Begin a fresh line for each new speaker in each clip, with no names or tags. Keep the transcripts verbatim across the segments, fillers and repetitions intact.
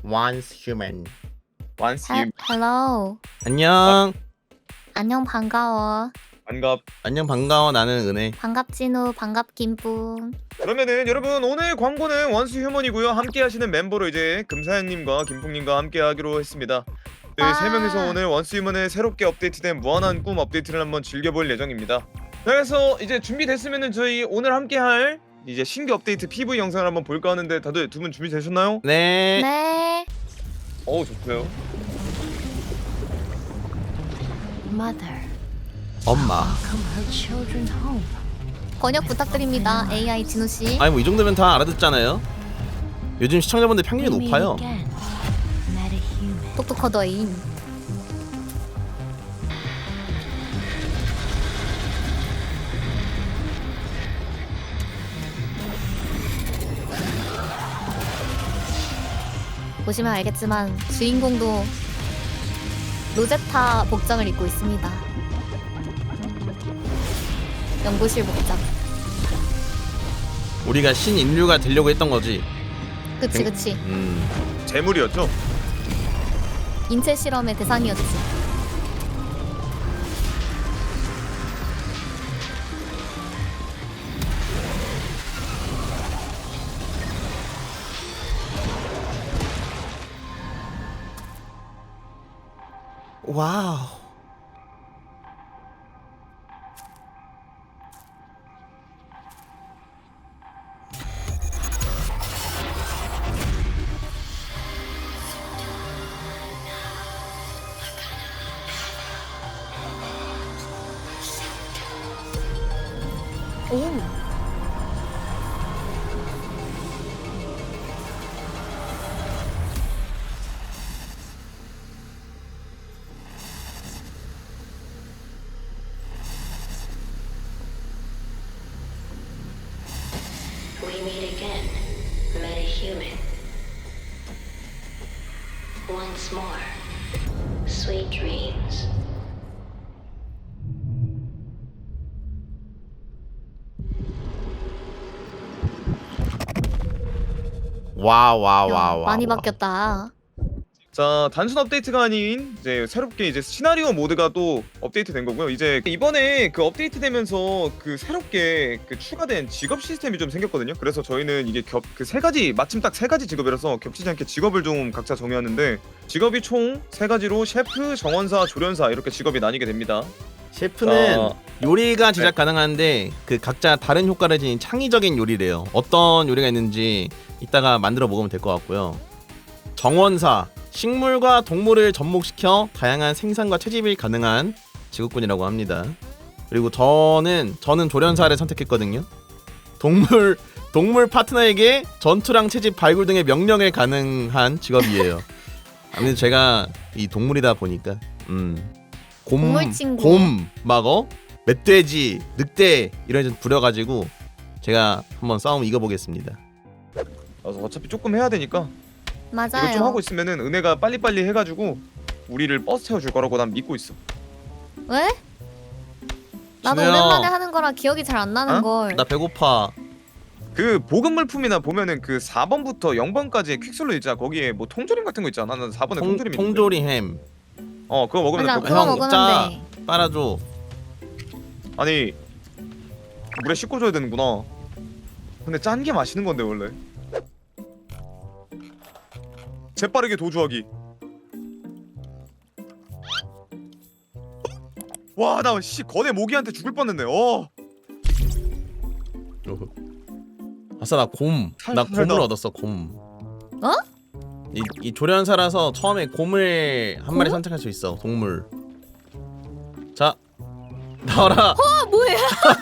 once human.
once
하,
you
hello.
안녕.
안녕 반가워.
반갑.
안녕 반가워. 나는 은혜.
반갑진우 반갑김뿡.
그러면은 여러분 오늘 광고는 원스 휴먼이고요. 함께 하시는 멤버로 이제 금사연님과 김풍님과 함께 하기로 했습니다. 네, 세 명이서 오늘 원스 휴먼의 새롭게 업데이트된 무한한 꿈 업데이트를 한번 즐겨볼 예정입니다. 그래서 이제 준비됐으면은 저희 오늘 함께 할 이제 신규 업데이트 피브이 영상을 한번 볼까 하는데 다들 두 분 준비되셨나요?
네.
네.
어우 좋고요.
Mother,
엄마.
come her children home.
번역 부탁드립니다. 에이아이 진우 씨.
아니 뭐 이 정도면 다 알아듣잖아요. 요즘 시청자분들 평균이
We meet
높아요.
again. Metahuman.
똑똑하더인. 보시면 알겠지만 주인공도 로제타 복장을 입고 있습니다. 연구실 복장.
우리가 신인류가 되려고 했던 거지.
그치 그치.
음.
재물이었죠?
인체 실험의 대상이었지.
와우.
오.
We meet again, Metahuman. Once more, sweet dreams.
와와와와.
많이 바뀌었다.
자, 단순 업데이트가 아닌 이제 새롭게 이제 시나리오 모드가 또 업데이트 된 거고요. 이제 이번에 그 업데이트 되면서 그 새롭게 그 추가된 직업 시스템이 좀 생겼거든요. 그래서 저희는 이게 겹 그 세 가지 마침 딱 세 가지 직업이라서 겹치지 않게 직업을 좀 각자 정해왔는데 직업이 총 세 가지로 셰프, 정원사, 조련사 이렇게 직업이 나뉘게 됩니다.
셰프는
자,
요리가 제작
네.
가능한데 그 각자 다른 효과를 지닌 창의적인 요리래요. 어떤 요리가 있는지 이따가 만들어 먹으면 될 것 같고요. 정원사, 식물과 동물을 접목시켜 다양한 생산과 채집이 가능한 직업군이라고 합니다. 그리고 저는 저는 조련사를 선택했거든요. 동물 동물 파트너에게 전투랑 채집, 발굴 등의 명령을 가능한 직업이에요. 아무래도 제가 이 동물이다 보니까 음. 곰,
동물 친구.
곰, 막어, 멧돼지, 늑대 이런 좀 부려가지고 제가 한번 싸움 이겨보겠습니다.
그래서 어차피 조금 해야 되니까
맞아요.
이거 좀 하고 있으면은 은혜가 빨리빨리 해가지고 우리를 버스 태워줄 거라고 난 믿고 있어.
왜? 나도
진우야.
오랜만에 하는 거라 기억이 잘 안 나는
어?
걸.
나 배고파.
그 보급 물품이나 보면은 그 사 번부터 영 번까지 퀵슬로 있잖아. 거기에 뭐 통조림 같은 거 있잖아. 나는 사 번에
통,
통조림 있는데.
통조리 햄.
어 그거 먹으면
맞아,
그-
그거
형,
먹으면
짜.
돼.
빨아줘.
아니 물에 씻고 줘야 되는구나. 근데 짠 게 맛있는 건데 원래. 재빠르게 도주하기. 와 나 씨 거대 모기한테 죽을 뻔했네. 어.
아싸 나 곰. 나
살살다.
곰을 얻었어 곰.
어?
이, 이 조련사라서 처음에 곰을 한 마리
곰?
선택할 수 있어. 동물. 자 나와라.
아 뭐야?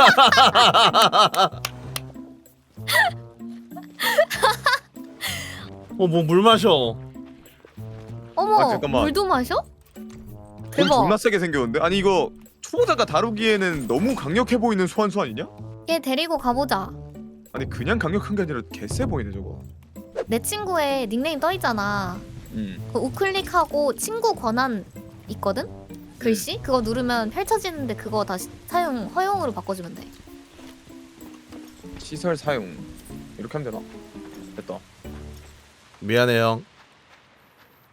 어뭐 물 마셔.
어머.
아, 잠깐만.
물도 마셔?
곰
대박.
존나 세게 생겼는데? 아니 이거 초보자가 다루기에는 너무 강력해 보이는 소환수 아니냐?
얘 데리고 가보자.
아니 그냥 강력한 게 아니라 개쎄 보이네 저거.
내 친구의 닉네임 떠 있잖아.
음.
그 우클릭하고 친구 권한 있거든? 글씨? 그거 누르면 펼쳐지는데 그거 다시 사용 허용으로 바꿔주면 돼.
시설 사용 이렇게 하면 되나? 됐다.
미안해 형.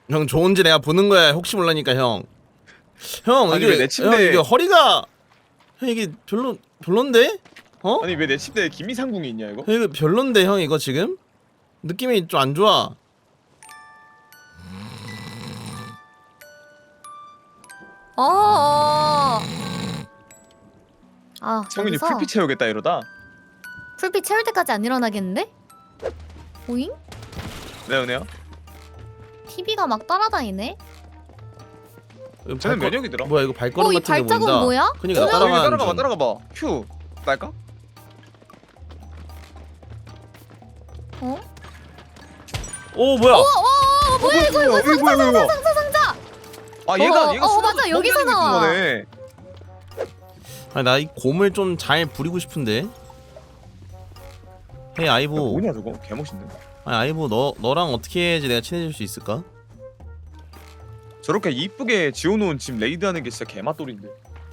형 좋은지 내가 보는 거야. 혹시 몰라니까 형. 형
아니,
이게
왜 내 침대-
형 이게 허리가 형 이게 별로 별론데? 어?
아니 왜 내 침대에 김이상궁이 있냐 이거?
형 이거 별론데 형 이거 지금 느낌이 좀 안 좋아.
어. 어. 아,
성윤이
여기서
풀빛 채우겠다 이러다.
풀빛 채울 때까지 안 일어나겠는데? 오잉?
네 은혜야.
티비가 막 따라다니네.
이거
쟤는
발걸-
면역이더라.
뭐야 이거 발걸음
어, 이
같은 게
발자국
보인다.
뭐야?
그니까
어,
나
여기
따라가는
따라가봐
중.
따라가봐. 큐 날까?
어?
오 뭐야?
어, 어, 뭐야 이거 이거 상자
뭐야,
상자
이거.
상자 상자.
아 얘가
어,
얘가
어,
수납
맞아, 여기서
공간이 있는
나와.
거네.
아니 나 이 곰을 좀 잘 부리고 싶은데. 헤이
야,
아이보.
뭐냐 저거? 개멋있네.
아니 아이보 너 너랑 어떻게 해야지 내가 친해질 수 있을까?
저렇게 이쁘게 지어놓은 집 레이드하는 게 진짜 개맛돌인데.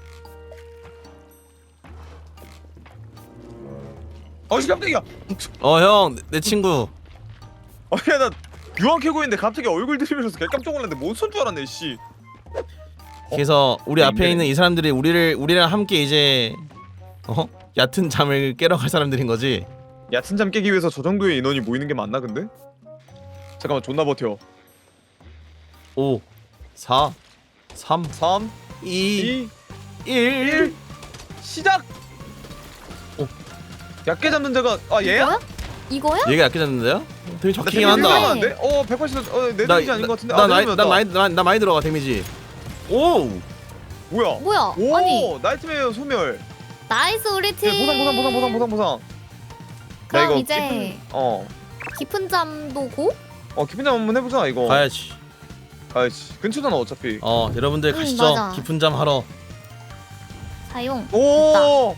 어이 깜짝이야.
어 형 내 친구.
아니 나 유황 캐고 있는데 갑자기 얼굴 들이면서 개 깜짝 놀랐는데 몬스터인 줄 알았네 씨.
그래서 우리
네,
앞에
네.
있는 이 사람들이 우리를 우리랑 함께 이제 어 얕은 잠을 깨러 갈 사람들인 거지.
얕은 잠 깨기 위해서 저 정도의 인원이 모이는 게 맞나 근데? 잠깐만 존나 버텨.
오, 사, 삼,
삼,
이,
이,
일.
일 시작! 어. 얕게 잡는 자가 아 얘야?
이거야? 이거야?
얘가 얕게 잡는데요? 되게
나
적히긴
데미지
한다.
들어가는데? 어 백팔십 어, 내 데미지 아닌 것 같은데?
나,
아,
나,
내리면
나,
나
많이 나, 나 많이 들어가 데미지. 오,
뭐야?
뭐야?
오
아니
나이트메어 소멸.
나이스 우리 팀.
네, 보상 보상 보상 보상 보상 보상. 나
그럼
이거
이제
깊은, 어.
깊은 잠도 고?
어 깊은 잠 한번 해보자 이거.
가야지.
가야지. 근처잖아 어차피.
어, 여러분들
응,
가시죠.
맞아.
깊은 잠 하러.
사용.
오.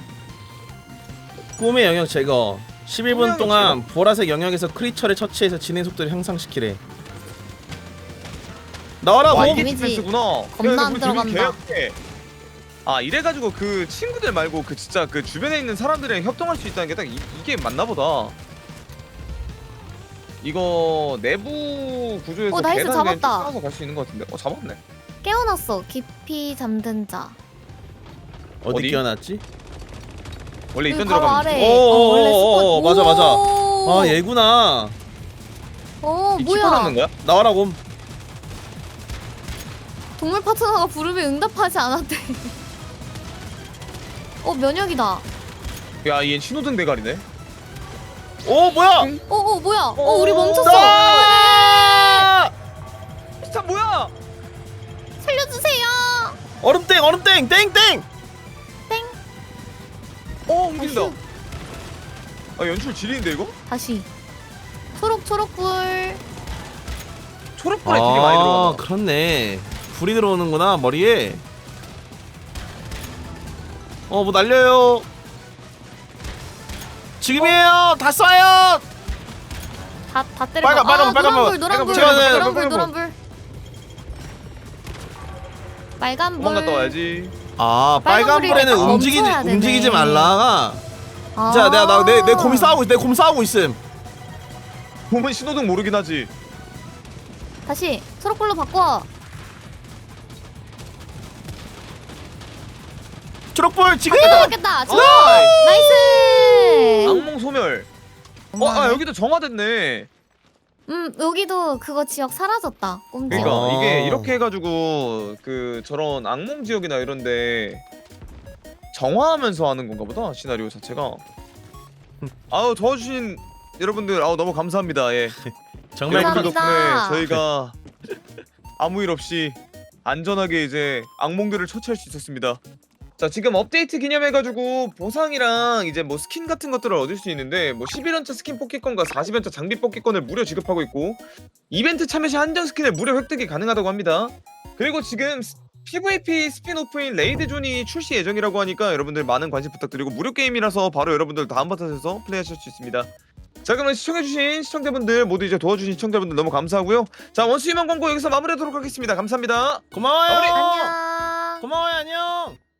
꿈의 영역 제거. 십일 분
꿈의
동안 보라색 영역에서 크리처를 처치해서 진행 속도를 향상시키래. 나와라
와
곰.
이게
데미지
디펜스구나.
겁나
야, 근데
안
우리
들어간다.
데미지 개약해. 아 이래가지고 그 친구들 말고 그 진짜 그 주변에 있는 사람들이랑 협동할 수 있다는 게 딱 이게 맞나 보다. 이거 내부 구조에서
어, 나이스,
계단 그냥 쭉
잡았다.
쌓아서 갈 수 있는 것 같은데. 어 잡았네.
깨어났어. 깊이 잠든 자.
어디
어디?
끼워놨지?
원래
여기
있던
바로
데로 가면
아래.
돼.
오,
어, 원래
오, 오, 오,
스폰.
맞아, 맞아.
오.
아 얘구나.
어
이
뭐야?
키퍼 넣는 거야?
나와라 곰.
동물 파트너가 부르면 응답하지 않았대. 어 면역이다.
야, 얘 신호등 대가리네.
오 뭐야?
어 어 뭐야? 어
어,
우리 멈췄어.
아!
진짜 뭐야?
살려주세요.
얼음땡 얼음땡 땡땡.
어, 움직인다.
어휴.
아, 연출 지리인데 이거?
다시. 초록 초록불.
초록불에 되게 많이 들어간다.
아 그렇네. 불이 들어오는구나 머리에. 어 뭐 날려요. 지금이에요. 다 쏴요.
다다 때려.
빨간, 빨간
아,
불, 빨간
노란불
불.
노란불
빨간 불,
노란불
빨간 불.
노란불. 빨간불.
도망갔다 와야지.
아
빨간
빨간
불이
불에는
약간
움직이지
멈춰야 되네.
움직이지 말라.
아.
자 내가 나 내 내 곰이 싸우고 있 내 곰 싸우고 있음.
보면 신호등 모르긴 하지.
다시 초록불로 바꿔.
초록불 지금.
바뀌었다 바뀌었다. 저
아,
나이스.
악몽 소멸. 어, 아 여기도 정화됐네.
음 여기도 그거 지역 사라졌다. 꼼지.
그러니까
아.
이게 이렇게 해가지고 그 저런 악몽 지역이나 이런데 정화하면서 하는 건가 보다 시나리오 자체가. 아우 도와주신 여러분들 아우 너무 감사합니다. 예.
정말
여러분들
감사합니다.
덕분에 저희가 아무 일 없이 안전하게 이제 악몽들을 처치할 수 있었습니다. 자 지금 업데이트 기념해가지고 보상이랑 이제 뭐 스킨 같은 것들을 얻을 수 있는데 뭐 십일 연차 스킨 뽑기권과 사십 연차 장비 뽑기권을 무료 지급하고 있고 이벤트 참여 시 한정 스킨을 무료 획득이 가능하다고 합니다. 그리고 지금 스- 피브이피 스피노프인 레이드존이 출시 예정이라고 하니까 여러분들 많은 관심 부탁드리고 무료 게임이라서 바로 여러분들 다운받아서 플레이하실 수 있습니다. 자 그러면 시청해주신 시청자분들 모두 이제 도와주신 시청자분들 너무 감사하고요. 자 원수 유명 광고 여기서 마무리하도록 하겠습니다. 감사합니다.
고마워요.
마무리.
안녕.
고마워요 안녕.